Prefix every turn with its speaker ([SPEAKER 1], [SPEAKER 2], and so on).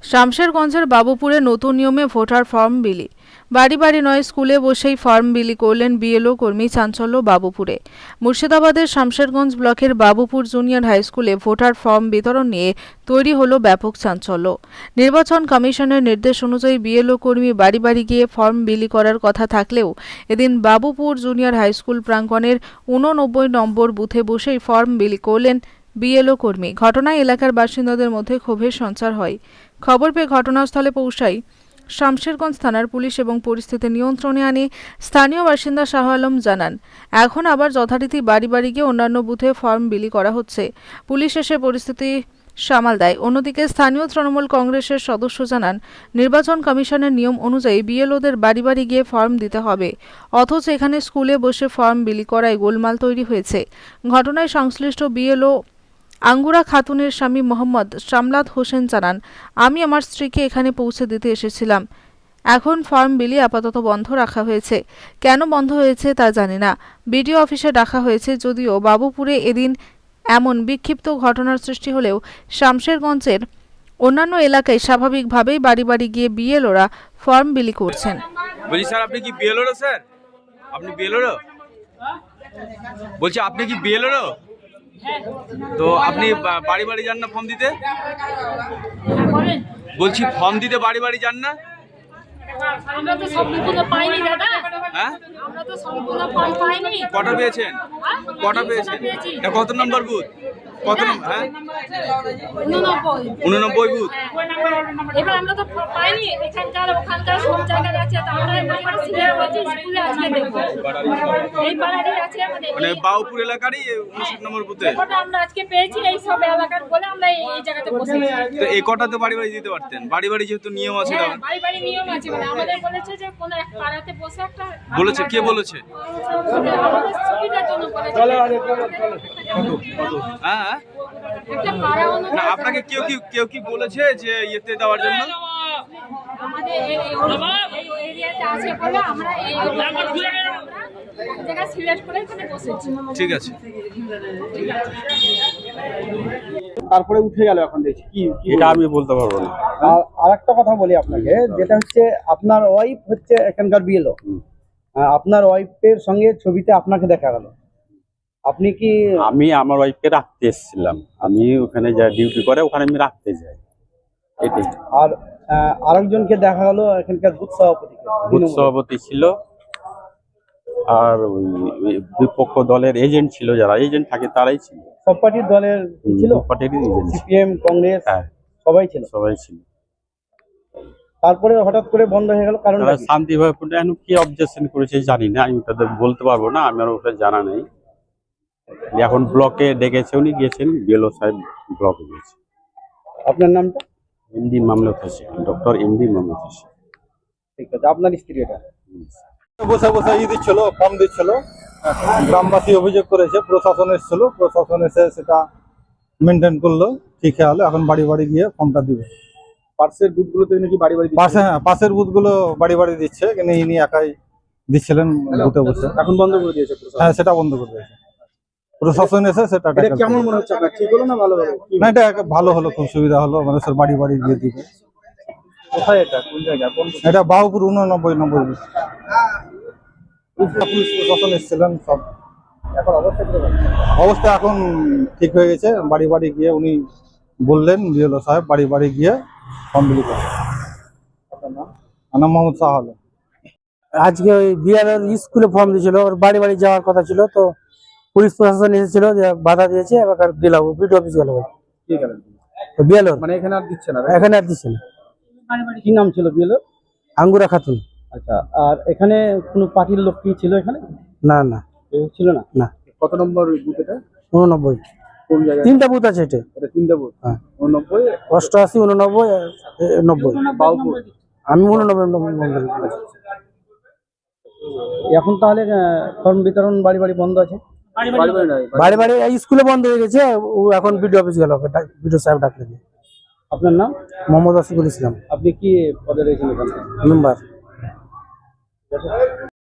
[SPEAKER 1] শামশেরগঞ্জের বাবুপুরে নতুন নিয়মে voter form বিলি। বাড়ি বাড়ি নয়, স্কুলে বসেই ফর্ম বিলি করলেন বিএলও কর্মী। চাঞ্চল্য বাবুপুরে। মুর্শিদাবাদের শামশেরগঞ্জ ব্লকের বাবুপুর জুনিয়র হাই স্কুলে ভোটার ফর্ম বিতরণ নিয়ে তৈরি হলো ব্যাপক চাঞ্চল্য। নির্বাচন কমিশনের নির্দেশ অনুযায়ী বিএলও কর্মী বাড়ি বাড়ি গিয়ে ফর্ম বিলি করার কথা থাকলেও এদিন বাবুপুর জুনিয়র হাই স্কুল প্রাঙ্গণের 89 নম্বর বুথে বসেই ফর্ম বিলি করলেন বিএলও কর্মী। ঘটনায় এলাকার বাসিন্দাদের মধ্যে ক্ষোভের সঞ্চার হয়। খবর পেয়ে ঘটনাস্থলে পৌঁছায় শামশেরগঞ্জ থানার পুলিশ এবং পরিস্থিতি নিয়ন্ত্রণে আনে। স্থানীয় বাসিন্দা শাহ আলম জানান, এখন আবার যথারীতি বাড়ি বাড়ি গিয়ে অন্যান্য বুথে ফর্ম বিলি করা হচ্ছে। পুলিশ এসে পরিস্থিতি সামাল দেয়। অন্যদিকে স্থানীয় তৃণমূল কংগ্রেসের সদস্য জানান, নির্বাচন কমিশনের নিয়ম অনুযায়ী বিএলওদের বাড়ি বাড়ি গিয়ে ফর্ম দিতে হবে, অথচ এখানে স্কুলে বসে ফর্ম বিলি করায় গোলমাল তৈরি হয়েছে। ঘটনায় সংশ্লিষ্ট বিএলও আঙ্গুরা খাতুনের স্বামী মোহাম্মদ শামলাত হোসেন জানান, আমি আমার স্ত্রীকে এখানে পৌঁছে দিতে এসেছিলাম। এখন ফর্ম বিলি আপাতত বন্ধ রাখা হয়েছে। কেন বন্ধ হয়েছে তা জানি না। বিডিও অফিসে ডাকা হয়েছে। যদিও বাবুপুরে এদিন এমন বিক্ষিপ্ত ঘটনার সৃষ্টি হলেও শামশেরগঞ্জের অন্যান্য এলাকায় স্বাভাবিকভাবেই বাড়ি বাড়ি গিয়ে বিএলওরা ফর্ম বিলি করছেন।
[SPEAKER 2] বলছি স্যার, আপনি কি বিএলও স্যার? আপনি বিএলও? বলছি আপনি কি বিএলও? তো আপনি বাড়ি বাড়ি যান না ফর্ম দিতে? বলছি ফর্ম দিতে বাড়ি বাড়ি যান না?
[SPEAKER 3] আমরা তো সম্পূর্ণ পাইনি দাদা।
[SPEAKER 2] হ্যাঁ,
[SPEAKER 3] আমরা তো সম্পূর্ণ ফর্ম পাইনি।
[SPEAKER 2] কটা পেয়েছেন? কটা পেয়েছেন? এটা কত নম্বর বুথ? কত নম্বর? হ্যাঁ, 89 বুথ।
[SPEAKER 3] এবার আমরা তো পাইনি। এখানকার ওখানকার সব জায়গায় আছে। আমরা এবার সিলেক্ট করছি স্কুলে আজকে দেখব। এই পাড়ারই আছে আমাদের,
[SPEAKER 2] মানে বাবুপুর এলাকারই 59 নম্বর বুথে।
[SPEAKER 3] ওটা আমরা আজকে পেয়েছি। এই সব এলাকার বলে আমরা এই জায়গাতে বসেছি।
[SPEAKER 2] তো এই কটাতে বাড়ি বাড়ি দিতে পারতেন। বাড়ি বাড়ি যেহেতু নিয়ম আছে।
[SPEAKER 3] হ্যাঁ, বাড়ি বাড়ি নিয়ম আছে। মানে আমাদের বলেছে যে কোন এক পাড়াতে বসে একটা
[SPEAKER 2] বলেছে। কে বলেছে?
[SPEAKER 3] আমাদের সুবিধার জন্য বলেছে।
[SPEAKER 2] হ্যাঁ,
[SPEAKER 3] একটা পাড়া
[SPEAKER 2] না আপনাকে কেউ কি বলেছে যে ইয়েতে দেওয়ার জন্য?
[SPEAKER 3] আমাদের এই এরিয়াতে আছে বলে আমরা এই জায়গা সিলেক্ট করে এখানে বসেছি।
[SPEAKER 2] ঠিক আছে।
[SPEAKER 4] তারপরে উঠে গেল। এখন দেখছি কি
[SPEAKER 5] এটা আমি বলতে পারবো না।
[SPEAKER 4] আর আরেকটা কথা বলি আপনাকে, যেটা হচ্ছে আপনার ওয়াইফ হচ্ছে এখানকার বিএলও। আপনার ওয়াইফের সঙ্গে ছবিতে আপনাকে দেখা গেল। আপনি কি?
[SPEAKER 5] আমি আমার ওয়াইফকে রাখতে এসেছিলাম। আমি ওখানে যা ডিউটি করে ওখানে আমি রাখতে যাই। এটাই।
[SPEAKER 4] আর আরেকজনকে দেখা গেল এখানকার বুথ সভাপতি।
[SPEAKER 5] বুথ সভাপতি ছিল, আর ওই বিপক্ষ দলের এজেন্ট ছিল, যারা এজেন্ট থাকে তারাই ছিল।
[SPEAKER 4] সব পার্টির দলের ছিল?
[SPEAKER 5] সব পার্টির এজেন্ট,
[SPEAKER 4] সিপিএম, কংগ্রেস,
[SPEAKER 5] হ্যাঁ
[SPEAKER 4] সবাই ছিল।
[SPEAKER 5] সবাই ছিল।
[SPEAKER 4] তারপরে হঠাৎ করে বন্ধ হয়ে গেল, কারণ
[SPEAKER 5] তারা শান্তিভাবে এখন কি অবজেকশন করেছে জানি না, আমি তাদের বলতে পারবো না, আমার ওটা জানা নেই। এখন ব্লকে ডেকেছে, উনি গিয়েছেন, বিএলও সাহেব ব্লকে গিয়েছে।
[SPEAKER 4] আপনার নামটা?
[SPEAKER 5] MD Mamlat Hossain, doctor MD Mamlat Hossain.
[SPEAKER 4] ঠিক আছে। আপনার স্ত্রী এটা
[SPEAKER 6] বসে বসে দিচ্ছিল, ফর্ম দিচ্ছিল। গ্রামবাসী অভিযোগ করেছে, প্রশাসন এসেছিল, প্রশাসন এসে সেটা মেনটেন করলো, ঠিক হলো। এখন বাড়ি বাড়ি গিয়ে ফর্মটা দিবে।
[SPEAKER 4] পাশের বুথগুলোতে নাকি বাড়ি বাড়ি
[SPEAKER 6] পাশে, হ্যাঁ পাশের বুথগুলো বাড়ি বাড়ি দিচ্ছে, কিন্তু ইনি একাই দিচ্ছিলেন বুথে বসে।
[SPEAKER 4] এখন বন্ধ করে দিয়েছে প্রশাসন?
[SPEAKER 6] হ্যাঁ, সেটা বন্ধ করে দিয়েছে প্রশাসন এসে। সেটা
[SPEAKER 4] কেমন মনে হচ্ছে আপনার? ঠিক হলো না ভালো হলো?
[SPEAKER 6] না, এটা ভালো হলো, খুব সুবিধা হলো, মানুষের বাড়ি বাড়ি গিয়ে দিবে।
[SPEAKER 4] কোথায় এটা? কোন জায়গায়?
[SPEAKER 6] এটা বাবুপুর 89 নম্বর বুথ। পুলিশ প্রশাসন এসেছিলেন সব।
[SPEAKER 4] এখন
[SPEAKER 6] অবস্থা এখন ঠিক হয়ে গেছে। বাড়ি বাড়ি গিয়ে উনি বললেন, বিএলও সাহেব বাড়ি বাড়ি গিয়ে ফর্ম বিলি করেন। আমার নাম মোহাম্মদ শাহ আলম।
[SPEAKER 7] আজকে ওই বিএলওর স্কুলে ফর্ম দিয়েছিল, ওর বাড়ি বাড়ি যাওয়ার কথা ছিল, তো পুলিশ প্রশাসন এসেছিল, বাধা দিয়েছে। এবার গেল বিডিও অফিস গেল। বিএলওর
[SPEAKER 4] মানে এখানে আর দিচ্ছে না?
[SPEAKER 7] এখানে আর দিচ্ছে না।
[SPEAKER 4] কি নাম ছিল বিএলও?
[SPEAKER 7] আঙ্গুরা খাতুন।
[SPEAKER 4] আচ্ছা। আর এখানে কোনো পার্টির লোক কি ছিল এখানে?
[SPEAKER 7] না না,
[SPEAKER 4] ছিল না।
[SPEAKER 7] না।
[SPEAKER 4] কত নম্বর বুথ এটা?
[SPEAKER 7] 89।
[SPEAKER 4] কোন জায়গায়?
[SPEAKER 7] 3টা বুথ আছে এটা।
[SPEAKER 4] এটা 3টা বুথ?
[SPEAKER 7] হ্যাঁ।
[SPEAKER 4] 89,
[SPEAKER 7] 88, 89, 90।
[SPEAKER 4] বাবুপুর।
[SPEAKER 7] আমি 89 নম্বর।
[SPEAKER 4] এখন তাহলে ফর্ম বিতরণ বাড়ি বাড়ি বন্ধ আছে?
[SPEAKER 7] বাড়ি বাড়ি স্কুলে বন্ধ হয়ে গেছে। ও এখন বিডিও অফিস গেল, বিডিও সাহেব ডাকলে।
[SPEAKER 4] আপনার নাম?
[SPEAKER 7] মোহাম্মদ আসিফুল ইসলাম।
[SPEAKER 4] আপনি কি পদে রয়েছেন এখানে?
[SPEAKER 7] মেম্বার।